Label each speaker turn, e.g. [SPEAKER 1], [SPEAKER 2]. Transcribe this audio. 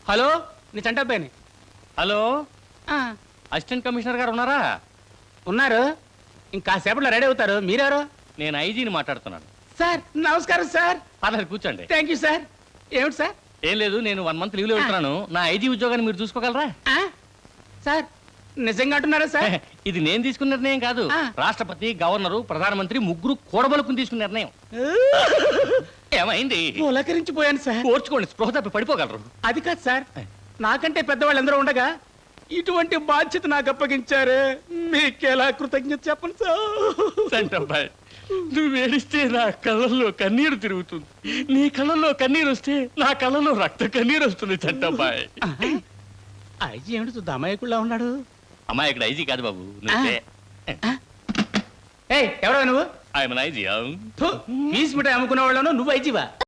[SPEAKER 1] Hello నీ చంటబ్బాయిని.
[SPEAKER 2] Hello, assistant commissioner గారు ఉన్నారా?
[SPEAKER 1] ఉన్నారు, ఇంకాసేపట్లో రెడీ అవుతారు. మీరెవరు?
[SPEAKER 2] నేను ఐజీని మాట్లాడుతున్నాను.
[SPEAKER 1] సార్ నమస్కారం సార్.
[SPEAKER 2] పర్లేదు కూర్చోండి.
[SPEAKER 1] Thank you sir. ఏమిటి సార్?
[SPEAKER 2] ఏం లేదు, నేను 1 మంత్ లీవ్లో వెళ్తున్నాను. నా ఐజీ ఉద్యోగాన్ని మీరు చూసుకోగలరా?
[SPEAKER 1] సార్ నిజంగా అంటున్నారా సార్?
[SPEAKER 2] ఇది నేను తీసుకున్న నిర్ణయం కాదు, రాష్ట్రపతి, గవర్నరు, ప్రధానమంత్రి ముగ్గురు కూడబలుకుని తీసుకున్న నిర్ణయం. ఏమైంది?
[SPEAKER 1] పులకరించిపోయాను సార్.
[SPEAKER 2] ఓర్చుకోండి, స్పృహ తప్పి పడిపోగలరు.
[SPEAKER 1] అది కాదు సార్, నాకంటే పెద్దవాళ్ళు ఎందరో ఉండగా ఇటువంటి బాధ్యత నాకు అప్పగించారు. మీకెలా కృతజ్ఞత చెప్పను
[SPEAKER 2] సార్. నువ్వు ఏడిస్తే నా కళ్ళల్లో కన్నీరు తిరుగుతుంది, నీ కళ్ళల్లో కన్నీరు వస్తే నా కళ్ళల్లో రక్త కన్నీరు వస్తుంది. చంటబ్బాయ్
[SPEAKER 1] ఐజీ ఏమిటి చూద్దా అమాయకుల్లా ఉన్నాడు?
[SPEAKER 2] అమ్మాయి ఇక్కడ ఐజీ కాదు బాబు, నువ్వే.
[SPEAKER 1] ఎవరో నువ్వు?
[SPEAKER 2] ఆయన ఐజీ.
[SPEAKER 1] పీస్ మిఠాయి అమ్ముకునే వాళ్ళను నువ్వు ఐజీవా?